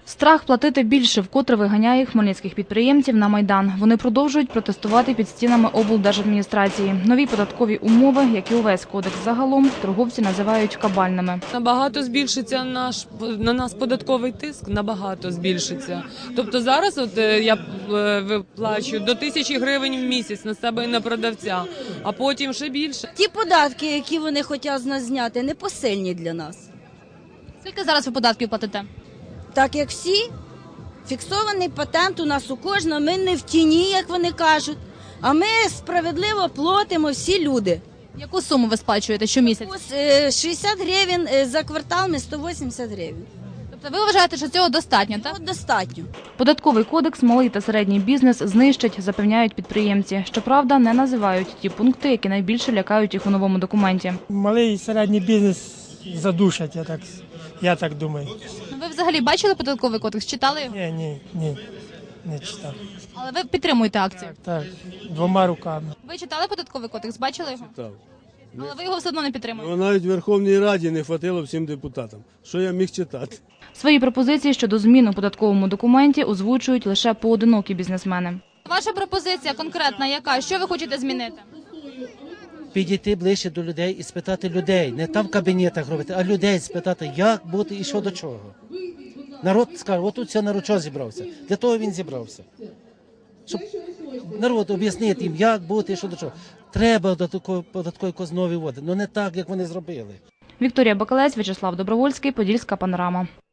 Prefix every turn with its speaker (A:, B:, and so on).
A: Страх платити більше вкотре виганяє хмельницьких підприємців на Майдан. Вони продовжують протестувати під стінами облдержадміністрації. Нові податкові умови, як і увесь кодекс загалом, торговці називають кабальними.
B: Набагато збільшиться на нас податковий тиск, набагато збільшиться. Тобто зараз я виплачую до 1000 гривень в місяць на себе і на продавця, а потім ще більше.
C: Ті податки, які вони хочуть з нас зняти, непосильні для нас.
A: Скільки зараз ви податків платите?
C: Так як всі, фіксований патент у нас у кожного, ми не в тіні, як вони кажуть, а ми справедливо платимо всі люди.
A: Яку суму ви сплачуєте щомісяця?
C: Ось 60 гривень за квартал, ми 180 гривень.
A: Тобто ви вважаєте, що цього достатньо, так?
C: От достатньо.
A: Податковий кодекс малий та середній бізнес знищать, запевняють підприємці. Щоправда, не називають ті пункти, які найбільше лякають їх у новому документі.
D: Малий і середній бізнес задушать, я так думаю.
A: Ви взагалі бачили податковий кодекс? Читали його?
D: Ні, не читав.
A: Але ви підтримуєте акцію.
D: Так, двома руками.
A: Ви читали податковий кодекс? Бачили його?
E: Так.
A: Але ви його все одно не підтримуєте.
E: Навіть в Верховній Раді не хватило всім депутатам. Що я міг читати?
A: Свої пропозиції щодо змін у податковому документі озвучують лише поодинокі бізнесмени. Ваша пропозиція конкретна яка? Що ви хочете змінити?
F: Підійти ближче до людей і спитати людей, не там в кабінетах робити, а людей спитати, як бути і що до чого. Народ скаже, отут все народ що зібрався. Для того він зібрався. Щоб народ об'яснити їм, як бути і що до чого. Треба податкові нові вводити, але не так, як вони зробили.
A: Вікторія Бакалець, В'ячеслав Добровольський, Подільська панорама.